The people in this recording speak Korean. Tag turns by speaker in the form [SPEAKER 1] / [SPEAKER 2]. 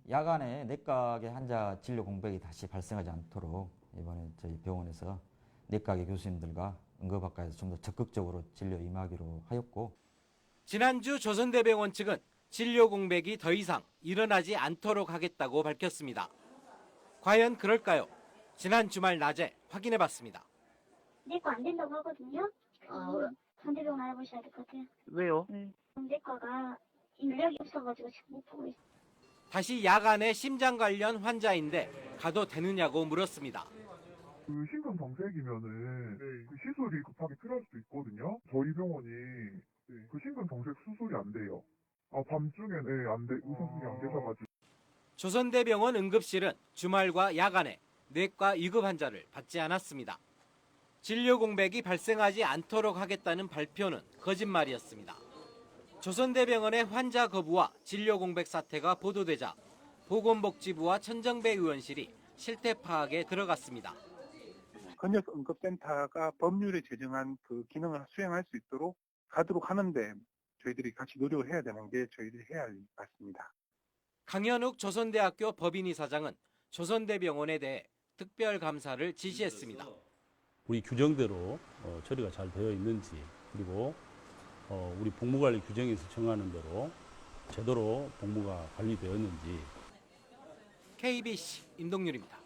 [SPEAKER 1] 야간에 내과계 환자 진료 공백이 다시 발생하지 않도록 이번에 저희 병원에서 내과계 교수님들과 응급학과에서 좀 더 적극적으로 진료 임하기로 하였고,
[SPEAKER 2] 지난주 조선대병원 측은 진료 공백이 더 이상 일어나지 않도록 하겠다고 밝혔습니다. 과연 그럴까요? 지난 주말 낮에 확인해봤습니다.
[SPEAKER 3] 내과 안 된다고 하거든요. 상대병원 알아보셔야 될 것 같아요.
[SPEAKER 4] 왜요?
[SPEAKER 3] 내과가 인력이 없어가지고 지금 못 보고 있어요.
[SPEAKER 2] 다시 야간에 심장 관련 환자인데 가도 되느냐고 물었습니다.
[SPEAKER 5] 그 심근경색이면은 그 시술이 급하게 필요할 수도 있거든요. 저희 병원이 그 심근경색 수술이 안 돼요. 밤중에는 안 돼, 의사분이 안 계셔가지고.
[SPEAKER 2] 조선대병원 응급실은 주말과 야간에 내과 위급 환자를 받지 않았습니다. 진료 공백이 발생하지 않도록 하겠다는 발표는 거짓말이었습니다. 조선대병원의 환자 거부와 진료 공백 사태가 보도되자 보건복지부와 천정배 의원실이 실태 파악에 들어갔습니다.
[SPEAKER 6] 헌역 응급센터가 법률에 제정한 그 기능을 수행할 수 있도록 가도록 하는데 저희들이 같이 노력을 해야 되는 게 저희들이 해야 할 일 같습니다.
[SPEAKER 2] 강현욱 조선대학교 법인이사장은 조선대병원에 대해 특별감사를 지시했습니다.
[SPEAKER 7] 우리 규정대로 처리가 잘 되어 있는지, 그리고 우리 복무관리 규정에서 정하는 대로 제대로 복무가 관리되었는지.
[SPEAKER 2] KBC 임동률입니다.